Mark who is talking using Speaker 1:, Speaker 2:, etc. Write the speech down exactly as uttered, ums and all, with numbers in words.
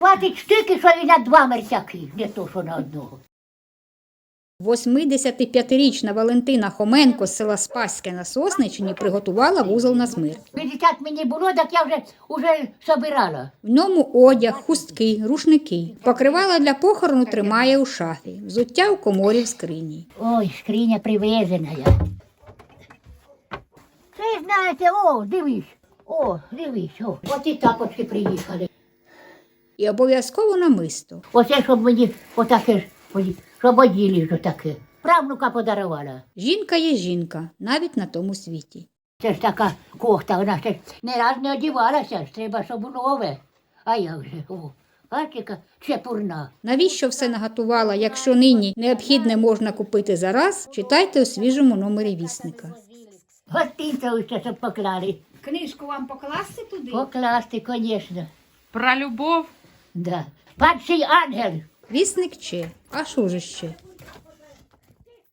Speaker 1: Хватить штики, що і на два мерцяки, не то, що на одного.
Speaker 2: восьмидесятип'ятирічна Валентина Хоменко з села Спаське на Сосниччині приготувала вузол на смерть.
Speaker 1: п'ятдесят мені було, так я вже, вже собирала.
Speaker 2: В ньому одяг, хустки, рушники. Покривала для похорону тримає у шафі. Взуття у коморі в скрині.
Speaker 1: Ой, скриня привезена я. Це, знаєте, о, дивись, о, дивись, о. От і тапочки приїхали.
Speaker 2: І обов'язково намисто.
Speaker 1: Оце, щоб мені отаке, ж, ой, щоб оділи ж отаке. Правнука подарувала.
Speaker 2: Жінка є жінка, навіть на тому світі.
Speaker 1: Це ж така кохта, вона ще не раз не одівалася, ж треба, щоб нове. А як же, о, бачите, чепурна.
Speaker 2: Навіщо все наготувала, якщо нині необхідне можна купити зараз, читайте у свіжому номері вісника.
Speaker 1: Гостинцеву ще, щоб поклали.
Speaker 3: Книжку вам покласти туди?
Speaker 1: Покласти, звісно,
Speaker 3: Про любов.
Speaker 1: да. Падший ангел.
Speaker 2: Вісник Че, а що ж ще?